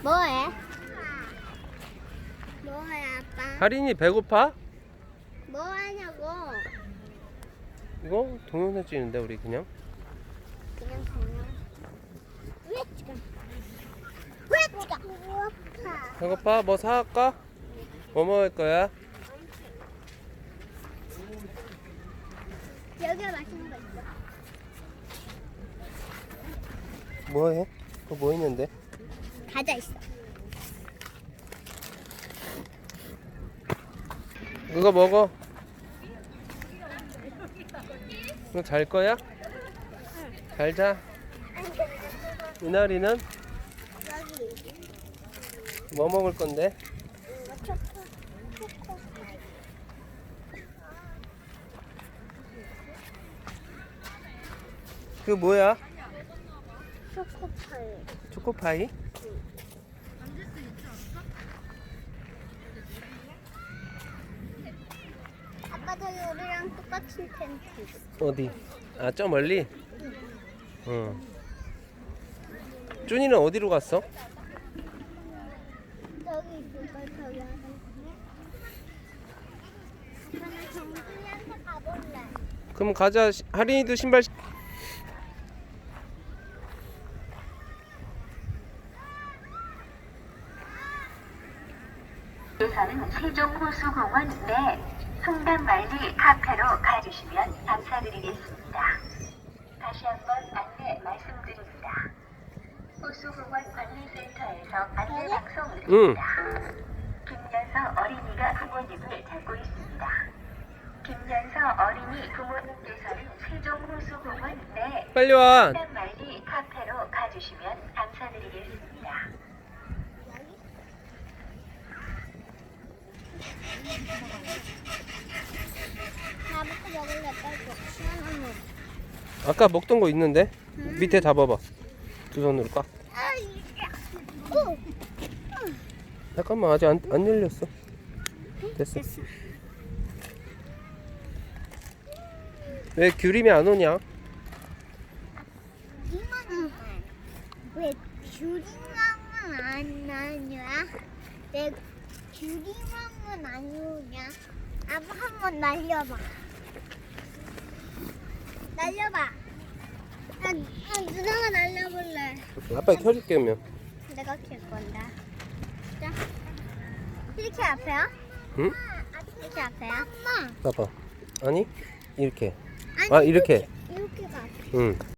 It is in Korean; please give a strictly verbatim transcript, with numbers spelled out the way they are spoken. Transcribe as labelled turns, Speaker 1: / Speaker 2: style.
Speaker 1: 뭐해? 뭐해 아빠?
Speaker 2: 하린이 배고파?
Speaker 1: 뭐 하냐고?
Speaker 2: 이거 동영상 찍는데 우리 그냥.
Speaker 1: 그냥 그냥. 왜 지금? 왜 지금? 배고파.
Speaker 2: 배고파? 뭐 사갈까? 뭐 먹을 거야?
Speaker 1: 여기가 맛있는 거 있어.
Speaker 2: 뭐해? 그거 뭐 있는데?
Speaker 1: 과자 있어.
Speaker 2: 그거 먹어. 너 잘 거야? 잘 자. 이날이는
Speaker 1: 여기.
Speaker 2: 뭐 먹을 건데?
Speaker 1: 이거 초코. 초코.
Speaker 2: 그 뭐야?
Speaker 1: 초코파이.
Speaker 2: 초코파이?
Speaker 1: 아빠 저기 우리랑 똑같은 텐트 있어.
Speaker 2: 어디? 아, 저 멀리? 응. 준이는 어디로 갔어?
Speaker 1: 저기 있을걸 저기 하나. 저는 정준이한테 가볼래.
Speaker 2: 그럼 가자. 시- 하린이도 신발 시-
Speaker 3: 에서는 세종호수공원 내 송담말리 카페로 가주시면 감사드리겠습니다. 다시 한번 안내 말씀드립니다. 호수공원 관리센터에서 안내 방송 드립니다. 김연서 어린이가 부모님을 찾고 있습니다. 김연서 어린이 부모님께서는 세종호수공원 내
Speaker 2: 빨리 와.
Speaker 3: 송담말리 카페로 가주시면 감사드리겠습니다.
Speaker 1: 나부터 먹을래 빨리. 시원한 거.
Speaker 2: 아까 먹던 거 있는데? 밑에 잡아봐. 두 손으로 꽉.
Speaker 1: 오!
Speaker 2: 잠깐만, 아직 안, 안 열렸어. 됐어.
Speaker 1: 됐어.
Speaker 2: 왜 귤임이 안 오냐?
Speaker 1: 이모는 왜 귤이랑은 안 나냐? 내 귤이랑은 안 오냐? 아빠 한번 날려봐. 날려봐. 아, 아, 누나가 날려볼래.
Speaker 2: 아빠 켜줄게, 그러면.
Speaker 1: 내가 킬 건데. 자, 이렇게 앞에요?
Speaker 2: 응?
Speaker 1: 이렇게 앞에요? 엄마.
Speaker 2: 봐봐. 아니? 이렇게.
Speaker 1: 아니,
Speaker 2: 아, 이렇게.
Speaker 1: 이렇게가 앞에.
Speaker 2: 응.